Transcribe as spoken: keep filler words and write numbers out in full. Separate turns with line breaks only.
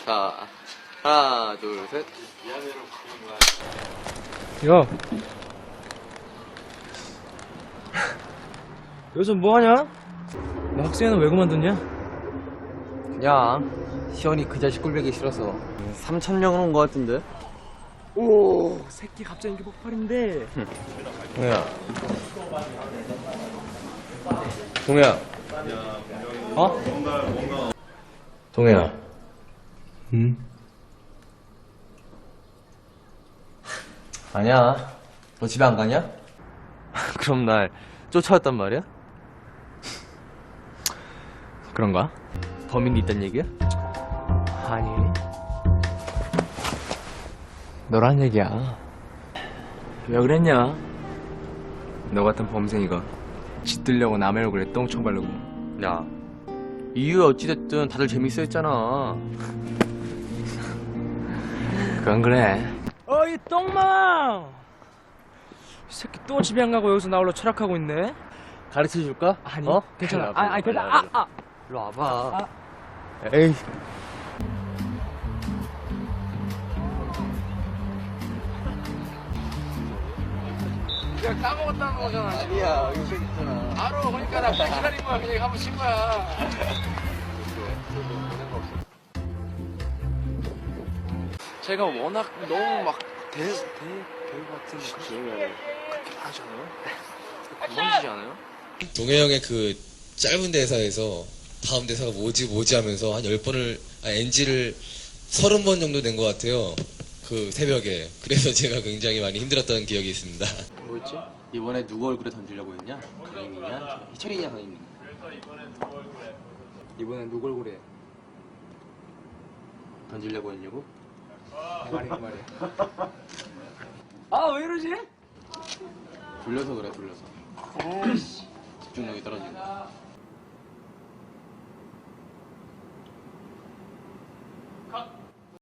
자, 하나, 둘, 셋.
야. 여기서 뭐하냐? 너 학생회는 왜 그만뒀냐?
그냥 시원이 그 자식 꿀배기 싫어서 삼천 명은 온 거 같은데.
오, 새끼 갑자기 인기 폭발인데.
동해야. 동해야.
어?
동해야.
응?
아니야. 너 집에 안 가냐? 그럼 날 쫓아왔단 말이야? 그런가? 범인이 있단 얘기야?
아니. 너란 얘기야. 왜 그랬냐? 너 같은 범생이가 짓들려고 남의 얼굴에 똥총 바르고.
야, 이유 어찌됐든 다들 재밌어 했잖아.
그건 그래. 어이 똥망! 이 새끼 또 집에 안 가고 여기서 나 홀로 철학하고 있네.
가르쳐 줄까?
아니,
어?
괜찮아.
일로 와봐,
아니, 아니,
일로
괜찮아.
와봐,
아, 아.
일로 와봐.
아.
에이.
내가 까먹었다는 거잖아.
아니야, 여기 있잖아.
바로 그러니까 나 기다린 거야. 그냥 한번 친 거야. 제가 워낙 너무 막 대, 대, 배우 같은 그렇게 그렇게 하잖아요. 건방지지 않아요?
동해 형의 그 짧은 대사에서 다음 대사가 뭐지 뭐지 하면서 한 열 번을 아, 엔지를 서른 번 정도 낸 것 같아요. 그 새벽에. 그래서 제가 굉장히 많이 힘들었던 기억이 있습니다.
뭐였지? 이번에 누구 얼굴에 던지려고 했냐? 강인이냐? 희철이냐, 강인이?
이번엔 누굴 그래?
던지려고 했냐고?
말이 그 말이야. 아, 왜 이러지?
돌려서 그래, 돌려서.
에이씨.
집중력이 떨어지고.